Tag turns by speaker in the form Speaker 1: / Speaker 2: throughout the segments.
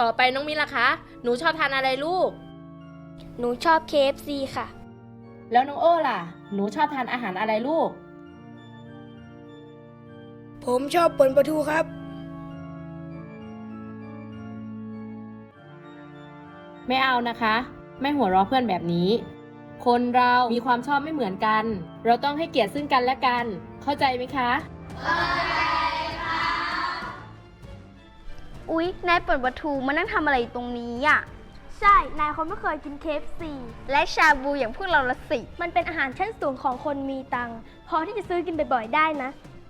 Speaker 1: ต่อไปน้องมินล่ะคะหนูชอบทานอะไรลูก
Speaker 2: หนูชอบ KFC ค่ะ
Speaker 1: แล้วน้องโอ้ล่ะหนูชอบทานอาหารอะไรลูก
Speaker 3: ผมชอบป่นปลาทูครับ
Speaker 1: ไม่เอานะคะไม่หัวเราะเพื่อนแบบนี้คนเรามีความชอบไม่เหมือนกันเราต้องให้เกียรติซึ่งกันและกันเข้าใจไหมคะ
Speaker 2: อุ๊ยนายป่นปลาทูมานั่งทำอะไรตรงนี้อ่ะใช่นายเขาไม่เคยกิน KFC และชาบูอย่างพวกเราละสิมันเป็นอาหารชั้นสูงของคนมีตังค์พอที่จะซื้อกินบ่อยๆได้นะ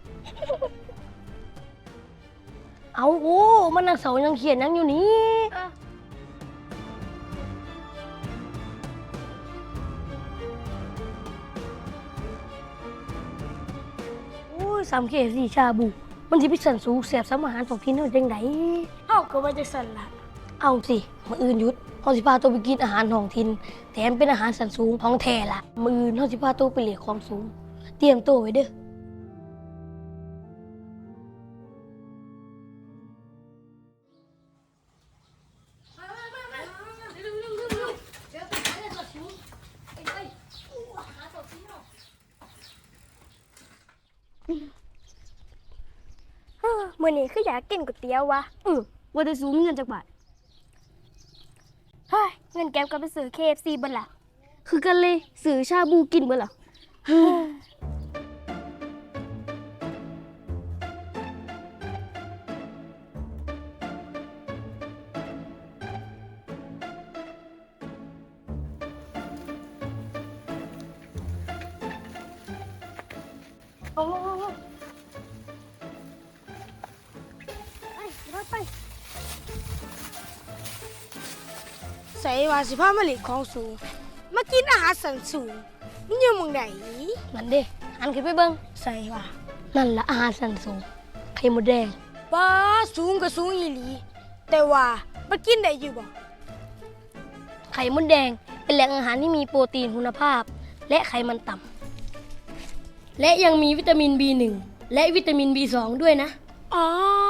Speaker 3: เอาโอ้มันนักเสายังเขียนยังอยู่นี่โอ้ย3 KFC ชาบูมันที่พิสันสูงเสียบสมอาหารของพี่นู่นจังไดเอ้าก็ว่าจะสั่นละเอาสิมื้ออื่นหยุดเฮาสิพาตัวไปกินอาหารท้องถิ่นแถมเป็นอาหารสันสูงของแท้ละมื้ออื่นเฮาสิพาตัวไปเลียของสูงเตรียมตัวไว้เด้อ
Speaker 2: มื่อนี้คืออยากกินก๋วยเตี๋ยววะว่าจะสูงเงินจากบาทเฮ้ยเงินแก็บก็ไปซื้อ KFC เบิ่นล่ะคือกันเลยซื้อชาบูกินเบิ่นล่ะโอ้ไป
Speaker 3: ใส่ว่าสิพามาเลิของสูงมากินอาหารสันสูงมันอยู่หมึงไหนนั่นเด้หันขึ้นไปเบิ่งใส่ว่านั่นละอาหารสันสูงไข่มดแดงป้าสูงก็สูงอีหลีแต่ว่ามันกินได้อยู่บ่ไข่มดแดงเป็นแหล่งอาหารที่มีโปรตีนคุณภาพและไขมันต่ำและยังมีวิตามิน B1 และวิตามิน B2 ด้วยนะอ๋อ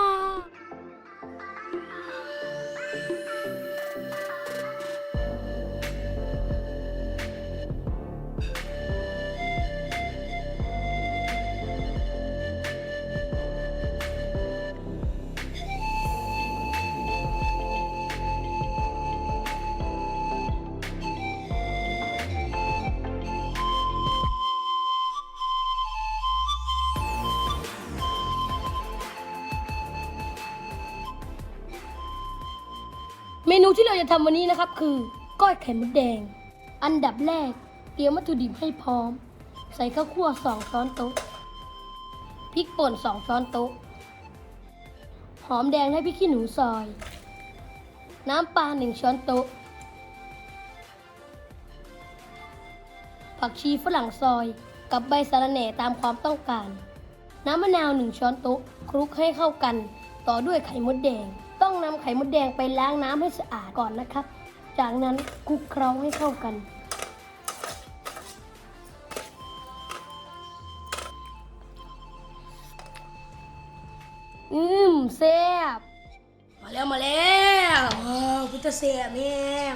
Speaker 3: เมนูที่เราจะทำวันนี้นะครับคือก้อยไข่มดแดงอันดับแรกเตรียมวัตถุดิบให้พร้อมใส่ข้าวคั่ว2 ช้อนโต๊ะพริกป่น2 ช้อนโต๊ะหอมแดงและพริกขี้หนูซอยน้ำปลา1 ช้อนโต๊ะผักชีฝรั่งซอยกับใบสะระแหน่ตามความต้องการน้ำมะนาว1 ช้อนโต๊ะคลุกให้เข้ากันต่อด้วยไข่มดแดงต้องนำไข่มดแดงไปล้างน้ำให้สะอาดก่อนนะครับจากนั้นคลุกเคล้าให้เข้ากันแซ่บมาแล้วพุทธเสียแม่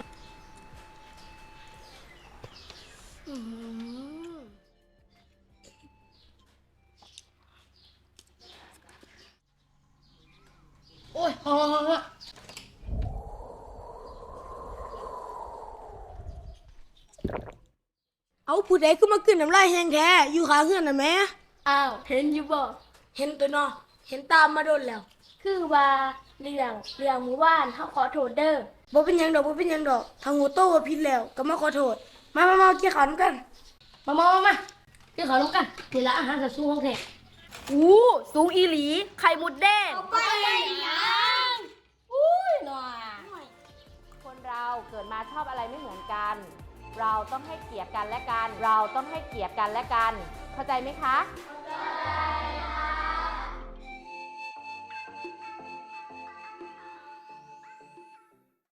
Speaker 3: โอ้ยเอาผู้ใดก็มากินน้ำลายแห้งแท้อยู่ขาเฮือนน่ะแม่อ้าวเห็นอยู่บ่เห็นตัวเนาะเห็นตามมาโดนแล้วคือว่าเรื่องหมู่บ้านเฮาขอโทษเด้อบ่เป็นหยังดอกถ้างูโตว่าผิดแล้วก็มาขอโทษมากินข้าวนำกันมากินข้าวนำกันนี่ละอาหารสัตว์สูงของแท้
Speaker 1: สูงอีหลีไข่มดแดง
Speaker 3: ไปยัง
Speaker 1: หน่อยคนเราเกิดมาชอบอะไรไม่เหมือนกัน เราต้องให้เกียรติกันและกัน เข้าใจไหมคะ